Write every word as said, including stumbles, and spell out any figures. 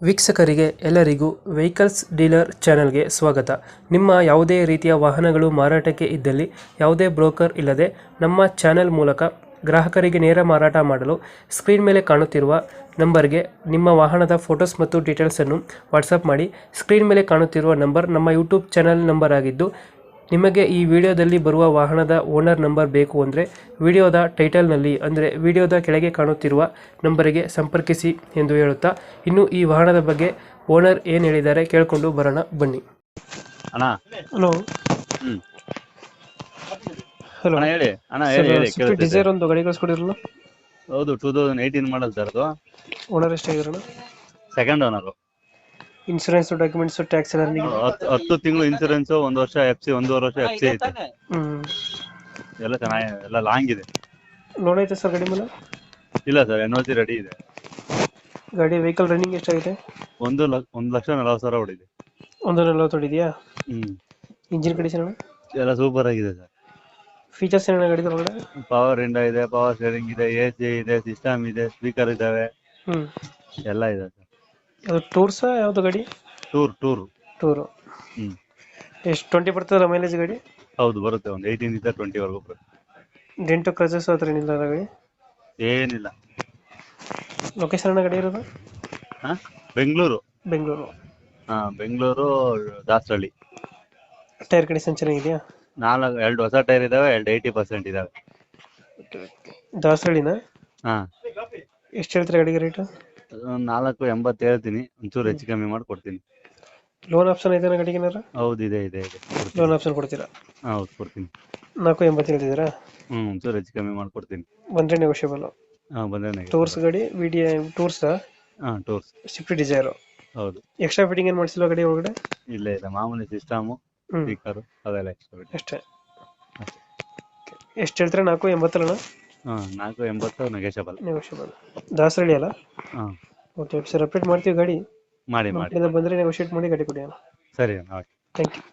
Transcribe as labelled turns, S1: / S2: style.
S1: ವೀಕ್ಷಕರಿಗೆ ಎಲ್ಲರಿಗೂ vehicles dealer ಚಾನೆಲ್ಗೆ ಸ್ವಾಗತ. ನಿಮ್ಮ ಯಾವುದೇ ರೀತಿಯ ವಾಹನಗಳು ಮಾರಾಟಕ್ಕೆ ಇದ್ದಲ್ಲಿ ಯಾವುದೇ ಬ್ರೋಕರ್ ಇಲ್ಲದೆ ನಮ್ಮ ಚಾನೆಲ್ ಮೂಲಕ ಗ್ರಾಹಕರಿಗೆ ನೇರ ಮಾರಾಟ ಮಾಡಲು ಸ್ಕ್ರೀನ್ ಮೇಲೆ ಕಾಣುತ್ತಿರುವ ನಂಬರ್ಗೆ ನಿಮ್ಮ ವಾಹನದ ಫೋಟೋಸ್ ಮತ್ತು ಡೀಟೇಲ್ಸನ್ನು ವಾಟ್ಸಪ್ ಮಾಡಿ. ಸ್ಕ್ರೀನ್ ಮೇಲೆ ಕಾಣುತ್ತಿರುವ ನಂಬರ್ ನಮ್ಮ ಯೂಟ್ಯೂಬ್ ಚಾನೆಲ್ ನಂಬರ್ ಆಗಿದ್ದು, ನಿಮಗೆ ಈ ವಿಡಿಯೋದಲ್ಲಿ ಬರುವ ವಾಹನದ ಓನರ್ ನಂಬರ್ ಬೇಕು ಅಂದರೆ ವಿಡಿಯೋದ ಟೈಟಲ್ನಲ್ಲಿ ಅಂದರೆ ವಿಡಿಯೋದ ಕೆಳಗೆ ಕಾಣುತ್ತಿರುವ ನಂಬರಿಗೆ ಸಂಪರ್ಕಿಸಿ ಎಂದು ಹೇಳುತ್ತಾ, ಇನ್ನು ಈ ವಾಹನದ ಬಗ್ಗೆ ಓನರ್ ಏನು ಹೇಳಿದ್ದಾರೆ ಕೇಳಿಕೊಂಡು ಬರೋಣ ಬನ್ನಿ.
S2: ಅಣ್ಣ
S1: ಹಲೋ
S2: ಹ್ಮ್
S1: ಹಲೋ
S2: ಅಣ್ಣ ಹೇಳಿ ಅಣ್ಣ ಹೇಳಿ ಹೇಳಿ ಕೇಳ್ತೈತೆ.
S1: ಡಿಸೈರ್ ಒಂದು ಗಾಡಿ ಕಳಿಸ್ಕೊಡಿರಲ್ಲ,
S2: ಹೌದು two thousand eighteen model sir ಅದು.
S1: ಓನರ್ ಎಷ್ಟಾಗಿದ್ರಣ?
S2: Second owner.
S1: Insurance documents tax ಎಲ್ಲ ರನ್ನಿಂಗ್?
S2: ಹತ್ತು ಹತ್ತು ತಿಂಗಳು ಇನ್ಸೂರೆನ್ಸ್, ಒಂದು ವರ್ಷ ಎಫ್ ಸಿ, ಒಂದೂವರೆ ವರ್ಷ ಎಫ್ ಸಿ ಐತೆ.
S1: ಹ್ಮ್
S2: ಎಲ್ಲ ಚೆನ್ನಾಗಿ ಎಲ್ಲ ಲಾಂಗ್ ಇದೆ.
S1: ಲೋನ್ ಐತೆ ಸರ್ ಗಾಡಿ ಮೇಲೆ?
S2: ಇಲ್ಲ sir, N O C ready ಇದೆ.
S1: ಗಾಡಿ ವೆಹಿಕಲ್ ರನ್ನಿಂಗ್ ಎಷ್ಟಾಗಿದೆ?
S2: ಒಂದು ಲಕ್ಷ ಒಂದು ಲಕ್ಷ ನಲವತ್ತು ಸಾವಿರ ಹೊಡಿದೆ.
S1: ಒಂದು ನಲ್ವತ್ತು ಹೊಡಿದೆಯಾ?
S2: ಹ್ಮ್
S1: ಇಂಜಿನ್ ಕಂಡೀಷನ್?
S2: ಎಲ್ಲ ಸೂಪರ್ ಆಗಿದೆ ಸರ್.
S1: ಫೀಚರ್ಸ್ ಏನೇನು ಗಾಡಿ ಒಳಗಡೆ?
S2: ಪವರ್ ವಿಂಡೋ ಇದೆ, ಪವರ್ ಸ್ಟೇರಿಂಗ್ ಇದೆ, ಎ ಸಿ ಇದೆ, ಸಿಸ್ಟಮ್ ಇದೆ, ಸ್ಪೀಕರ್ ಇದಾವೆ,
S1: ಹ್ಮ್
S2: ಎಲ್ಲ ಇದೆ ಸರ್.
S1: ಅದು ಟೂರ್ಸಾ ಯಾವುದು ಗಾಡಿ?
S2: Tour tour
S1: tour.
S2: ಹ್ಮ್
S1: ಎಷ್ಟು ಟ್ವೆಂಟಿ ಬರ್ತದಲ್ಲ ಮೈಲೇಜ್ ಗಾಡಿ?
S2: ಹೌದು ಬರುತ್ತೆ, ಒಂದು ಏಯ್ಟೀನ್ ಇಂದ ಟ್ವೆಂಟಿ ವರೆಗೂ ಬರುತ್ತೆ.
S1: ಡೆಂಟು ಕ್ರಚಸ್ ಹತ್ರ ಏನಿಲ್ಲ ಅಲ್ಲ ಗಾಡಿ?
S2: ಏನಿಲ್ಲ.
S1: ಲೊಕೇಶನ್ ಗಾಡಿ ಇರೋದು?
S2: ಹಾ ಬೆಂಗಳೂರು.
S1: ಬೆಂಗಳೂರು.
S2: ಹಾ ಬೆಂಗಳೂರು ದಾಸರಳ್ಳಿ.
S1: ಟೈರ್ ಕಂಡೀಷನ್ ಚೆನ್ನಾಗಿದೆಯಾ?
S2: ನಾಲ್ಕು ಎರಡು ಹೊಸ ಟೈರ್ ಇದಾವೆ, ಎರಡು ಏಯ್ಟಿ ಪರ್ಸೆಂಟ್ ಇದಾವೆ.
S1: ದಾಸರಳ್ಳಿನ?
S2: ಹಾ
S1: ಎಷ್ಟು ಹೇಳ್ತೀರಾ ಗಾಡಿಗೆ ರೇಟು?
S2: ಒಂದ್ ನಾಲ್ಕು ಎಂಬತ್ತು ಹೇಳ್ತೀನಿ, ಒಂಚೂರು ಹೆಚ್ಚು ಕಮ್ಮಿ ಮಾಡಿ ಕೊಡ್ತೀನಿ.
S1: ಲೋನ್ ಆಪ್ಷನ್ ಐತೆ ಗಾಡಿಗೆ ಏನಾರ?
S2: ಹೌದು ಇದೆ ಇದೆ ಇದೆ ಕೊಡ್ತೀನಿ.
S1: ಲೋನ್ ಆಪ್ಷನ್ ಕೊಡ್ತೀರಾ?
S2: ಹೌದು ಕೊಡ್ತೀನಿ.
S1: ನಾಲ್ಕು ಎಂಬತ್ತು ಹೇಳ್ತಿದ್ದೀರಾ?
S2: ಹ್ಮ್ ಒಂಚೂರು ಹೆಚ್ಚು ಕಮ್ಮಿ ಮಾಡಿ ಕೊಡ್ತೀನಿ.
S1: ಬಂದರೆ ನೆಗೋಷಿಯಬಲ್.
S2: ಹಾ ಬಂದ್ರೆ
S1: ಟೂರ್ಸ್ ಗಾಡಿ ವಿಡಿ ಟೂರ್ಸ್?
S2: ಹಾ ಟೂರ್ಸ್.
S1: Swift Dzire.
S2: ಹೌದು.
S1: ಎಕ್ಸ್ಟ್ರಾ ಫಿಟ್ಟಿಂಗ್ ಏನು ಮಾಡಿಸಿಲ್ವಾ ಗಾಡಿ ಒಳಗಡೆ?
S2: ಇಲ್ಲ ಇಲ್ಲ, ಮಾಮೂಲಿ ಸಿಸ್ಟಮು,
S1: ಹ್ಮ್
S2: ಸ್ಪೀಕರ್ ಅದೆಲ್ಲ ಎಕ್ಸ್ಟ್ರಾ.
S1: ಅಷ್ಟೇ. ಎಷ್ಟು ಹೇಳ್ತೀರಾ? ನಾಲ್ಕು ಎಂಬತ್ತಲ್ಲ?
S2: ಹಾ ನಾಲ್ಕು ಎಂಬತ್ತು ನೆಗೋಷಿಯಬಲ್.
S1: ನೆಗೋಷಿಯಬಲ್. ದಾಸರಳ್ಳಿ ಅಲ್ಲ?
S2: ಹಾ
S1: ಓಕೆ ಸರ್, ಅಪ್ಡೇಟ್ ಮಾಡ್ತೀವಿ ಗಾಡಿ.
S2: ಮಾಡಿ
S1: ನಮ್ಮ
S2: ಮಾಡಿ
S1: ಕಡೆಯಿಂದ ಬಂದರೆ ನೆಗೋಷಿಯೇಟ್ ಮಾಡಿ ಗಾಡಿ ಕೊಡಿ.
S2: ಸರಿ ಅಣ್ಣ.
S1: Thank you.